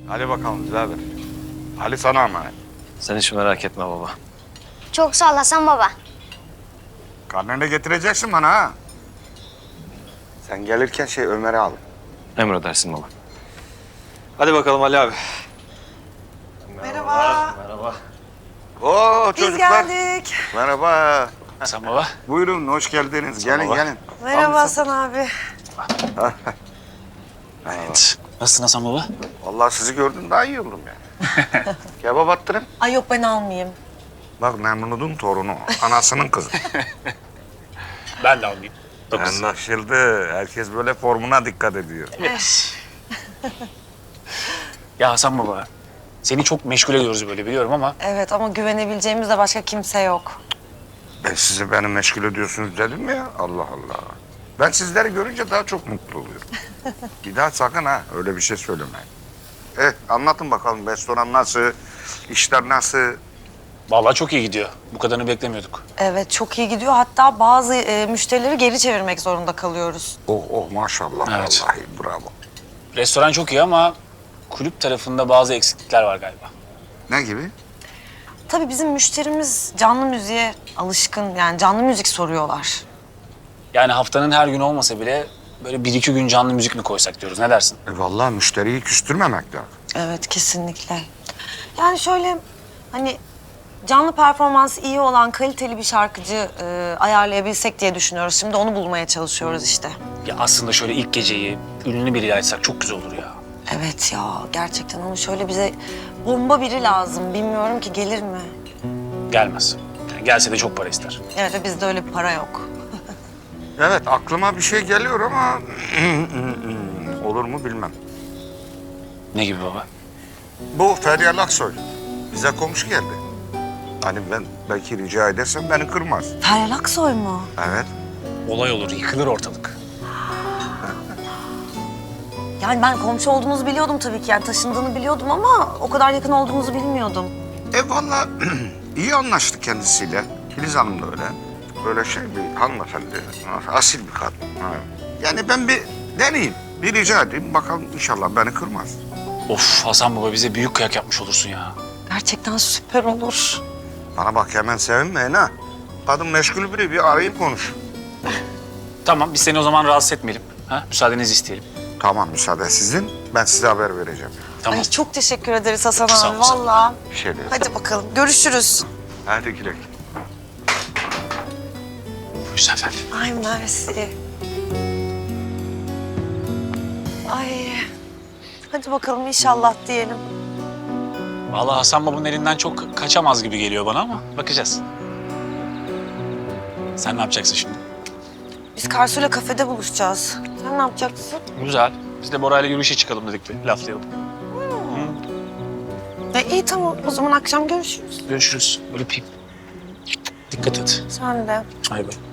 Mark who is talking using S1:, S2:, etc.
S1: Hadi bakalım birader. Ali sana emanet.
S2: Sen hiç merak etme baba.
S3: Çok sağ ol Hasan baba.
S1: Karnını da getireceksin bana ha. Sen gelirken Ömer'i al.
S2: Emredersin baba. Hadi bakalım Ali abi.
S4: Merhaba.
S2: Merhaba.
S1: Oo
S4: Biz
S1: çocuklar.
S4: geldik.
S1: Merhaba.
S2: Hasan baba.
S1: Buyurun hoş geldiniz. Gelin
S2: baba.
S1: gelin.
S4: Merhaba Hasan abi.
S2: Evet. Nasılsın Hasan baba?
S1: Vallahi sizi gördüm daha iyi oldum yani. Kebap attırın.
S4: Ay yok ben almayayım.
S1: Bak Memnun'un torunu. Anasının kızı.
S2: Ben de almayayım.
S1: Anlaşıldı. Herkes böyle formuna dikkat ediyor.
S5: Ya Hasan baba, seni çok meşgul ediyoruz böyle biliyorum ama
S4: Evet ama güvenebileceğimiz de başka kimse yok.
S1: Ben sizi beni meşgul ediyorsunuz dedim mi ya? Allah Allah. Ben sizleri görünce daha çok mutlu oluyorum. Bir daha sakın ha öyle bir şey söylemeyin. Anlatın bakalım restoran nasıl, işler nasıl?
S5: vallahi çok iyi gidiyor. Bu kadarını beklemiyorduk.
S4: Evet çok iyi gidiyor. Hatta bazı müşterileri geri çevirmek zorunda kalıyoruz.
S1: Oh maşallah
S5: Evet.
S1: vallahi bravo.
S5: Restoran çok iyi ama kulüp tarafında bazı eksiklikler var galiba.
S1: Ne gibi?
S4: Tabii bizim müşterimiz canlı müziğe alışkın. Yani canlı müzik soruyorlar.
S5: Yani haftanın her günü olmasa bile böyle bir iki gün canlı müzik mi koysak diyoruz. Ne dersin?
S1: Vallahi müşteriyi küstürmemek lazım.
S4: Evet kesinlikle. Yani şöyle hani canlı performansı iyi olan kaliteli bir şarkıcı ayarlayabilsek diye düşünüyoruz. Şimdi onu bulmaya çalışıyoruz işte.
S5: Ya aslında şöyle ilk geceyi ünlü biriyle açsak çok güzel olur ya.
S4: Evet ya gerçekten ama şöyle bize bomba biri lazım. Bilmiyorum ki gelir mi?
S5: Gelmez. Yani gelse de çok para ister.
S4: Evet ve bizde öyle bir para yok.
S1: Evet aklıma bir şey geliyor ama olur mu bilmem.
S5: Ne gibi baba?
S1: Bu Feryal Aksoy bize komşu geldi. Hani ben belki rica edersem beni kırmaz.
S4: Feryal Aksoy mu?
S1: Evet.
S5: Olay olur, yıkılır ortalık.
S4: Yani ben komşu olduğumuzu biliyordum tabii ki. Yani taşındığını biliyordum ama o kadar yakın olduğumuzu bilmiyordum.
S1: Vallahi iyi anlaştık kendisiyle. Filiz Hanım da öyle. Böyle bir hanımefendi, asil bir kadın. Ha. Yani ben bir deneyeyim, bir rica edeyim. Bakalım inşallah beni kırmaz.
S5: Of Hasan baba bize büyük kıyak yapmış olursun ya.
S4: Gerçekten süper olur.
S1: Bana bak hemen sevinmeyin ha. Kadın meşgul biri, bir arayıp konuş.
S5: Tamam biz seni o zaman rahatsız etmeyelim. Ha? Müsaadenizi isteyelim.
S1: Tamam müsaade sizin, ben size haber vereceğim.
S5: Tamam.
S4: Ay çok teşekkür ederiz Hasan
S5: Sağ
S4: abi
S5: ol, sağ ol.
S4: vallahi.
S1: Bir şey değil.
S4: Hadi bakalım görüşürüz.
S1: Hadi güle güle.
S5: Buyurun efendim.
S4: Ay mersi. Ay. Hadi bakalım inşallah diyelim.
S5: Vallahi Hasan babamın elinden çok kaçamaz gibi geliyor bana ama bakacağız. Sen ne yapacaksın şimdi?
S4: Biz Karsu'yla kafede buluşacağız. Sen ne yapacaksın?
S5: Güzel. Biz de Bora'yla yürüyüşe çıkalım dedik bir laflayalım.
S4: İyi tamam o zaman akşam görüşürüz.
S5: Görüşürüz. Öpeyim. Dikkat et.
S4: Sen de.
S5: Hay bay.